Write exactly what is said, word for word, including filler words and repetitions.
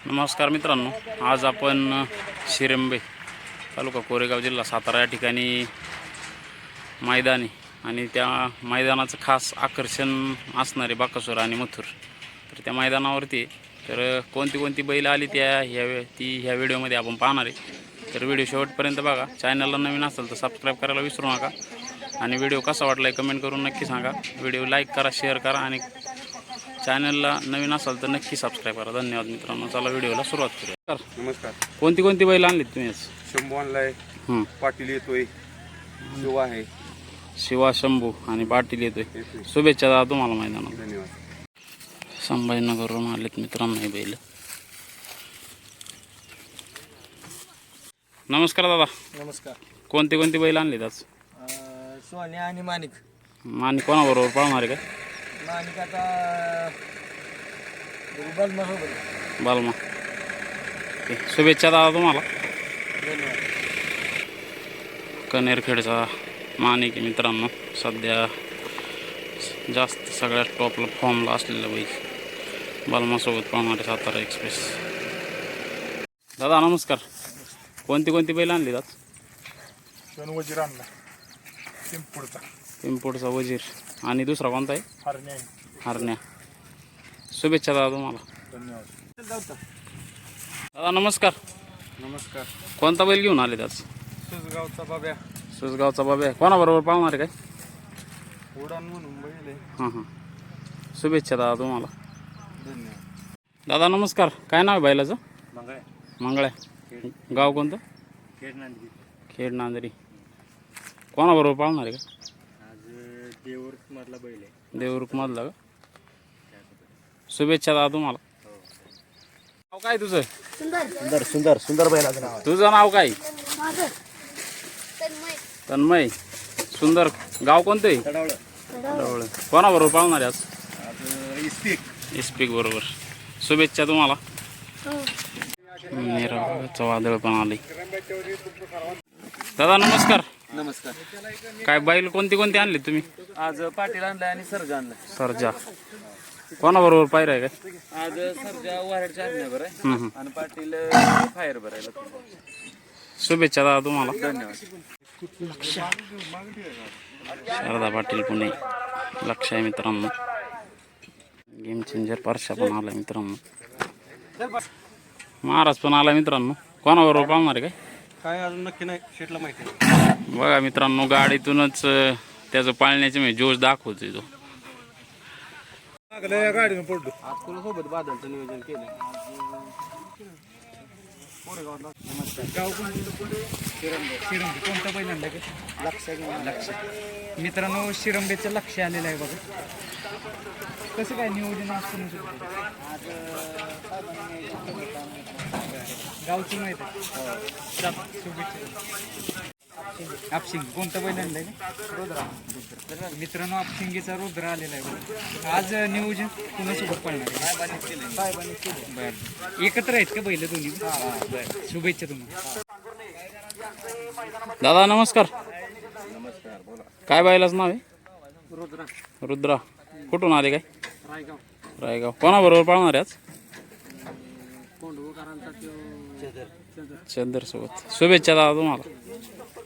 नमस्कार मित्रांनो, आज आपण शिरंबे तालुका कोरेगाव जिल्हा सातारा या ठिकाणी मैदान आहे आणि त्या मैदानाचं खास आकर्षण असणारे बाकासूर आणि मथुर. तर त्या मैदानावरती तर कोणती कोणती बैल आली त्या ह्या ती ह्या व्हिडिओमध्ये आपण पाहणार आहे. तर व्हिडिओ शेवटपर्यंत बघा. चॅनलला नवीन असेल तर सबस्क्राईब करायला विसरू नका आणि व्हिडिओ कसा वाटला कमेंट करून नक्की सांगा. व्हिडिओ लाईक करा, शेअर करा आणि चॅनलला नवीन असाल तर नक्की सबस्क्राईब करा. धन्यवाद मित्रांनो. चला व्हिडिओला सुरुवात करूया. नमस्कार. कोणती कोणती बैल आणलीत तुम्ही? शंभू आणलाय, हं. पाटील येतोय, शिवा आहे, शिवा, शंभू आणि पाटील येतोय. शुभेच्छा दादा तुम्हाला मैदानात. धन्यवाद. संभाजीनगरवरून आलेत मित्रांनो हे बैल. नमस्कार दादा. नमस्कार. कोणती कोणती बैल आणलीत आज? सोन्या आणि माणिक. आणि कोणाबरोबर पाळणार आहे का? माणिक आता बलमा सोबत. बालमा. ओके. शुभेच्छा दादा तुम्हाला. धन्यवाद. कनेरखेडचा माणिक आहे मित्रांनो. सध्या जास्त सगळ्यात टॉपला फॉर्मला असलेलं बैल बालमासोबत पाळणारे सातारा एक्सप्रेस. दादा नमस्कार. कोणती कोणती बैल आणली आज? दोन वजीर आणला, पिंपुडचा पिंपोडचा वजीर आणि दुसरा कोणता आहे? हरणे. हरण्या. शुभेच्छा दादा तुम्हाला. धन्यवाद. दादा नमस्कार. नमस्कार. कोणता बैल घेऊन आले आज? सुसगावचा बाब्या, सुसगावचा बाबा. कोणाबरोबर पाळणार आहे काय? उडान म्हणून बैल आहे. हां हां. शुभेच्छा दादा तुम्हाला. धन्यवाद. दादा नमस्कार. काय नाव आहे बैलाचं? मंगळ मंगळ्या. गाव कोणतं? खेड नांदगी. खेड नांदरी. कोणाबरोबर पाळणार आहे का? आज देऊर मधला बैल आहे. देवरुखमधला का? शुभेच्छा दादा तुम्हाला. नाव काय तुझं? सुंदर सुंदर सुंदर बैलाचं नाव आहे. तुझं नाव काय? तन्मय. सुंदर. गाव कोणतं आहे? तडावळ. जवळ. कोणाबरोबर पाळणार आहे आज? आज इस्पिक. इस्पिक बरोबर. शुभेच्छा तुम्हाला. निराचं वादळ पण आले. दादा नमस्कार. नमस्कार. काय बैल कोणती कोणती आणली तुम्ही? आज पाटील आणलाय आणि सर्जा आणलाय. सरजा. कोणाबरोबर पाहिजे आहे काय? आज सर्जा वारडच्या आणण्यावर आहे हं, हं. आणि पाटील फायर भरायला. शुभेच्छा दादा तुम्हाला. धन्यवाद. शारदा पाटील पुणे. लक्ष आहे मित्रांनो. गेम चेंजर परशा पण आला मित्रांनो. महाराज पण आला मित्रांनो. कोणाबरोबर पाळणार आहे काय? काय अजून नक्की नाही, शेटला माहिती आहे. बघा मित्रांनो, गाडीतूनच अं, त्याचं पाळण्याचे म्हणजे जोश दाखवतोय तो. या गाडीनं पडलो. आज कोणासोबत बादलचं नियोजन केलं? गाव शिरंबे. कोणता बैल आणला का? लक्ष लक्ष. मित्रांनो, शिरंबेचं लक्ष आलेलं आहे बघा. कसं काय नियोजन असतं? गावची माहिती आहे. शुभेच्छा. आपशिंग. कोणता बैल आणलाय का? रुद्रा. मित्रांनो, आपशिंगीचा रुद्र आलेला आहे बघा. आज नियोजन कुणासोबत पळणार आहे? बरं. एकत्र आहेत का बैल दोन्ही? बरं. शुभेच्छा तुम्हाला. दादा नमस्कार. नमस्कार. बोला. काय बैलाचं नाव आहे? रुद्रा. रुद्रा. कुठून आले काय? रायगाव. रायगाव. कोणाबरोबर पाळणार आहे आज? कोंडवकरांचा चंदर सोबत. शुभेच्छा दादा तुम्हाला.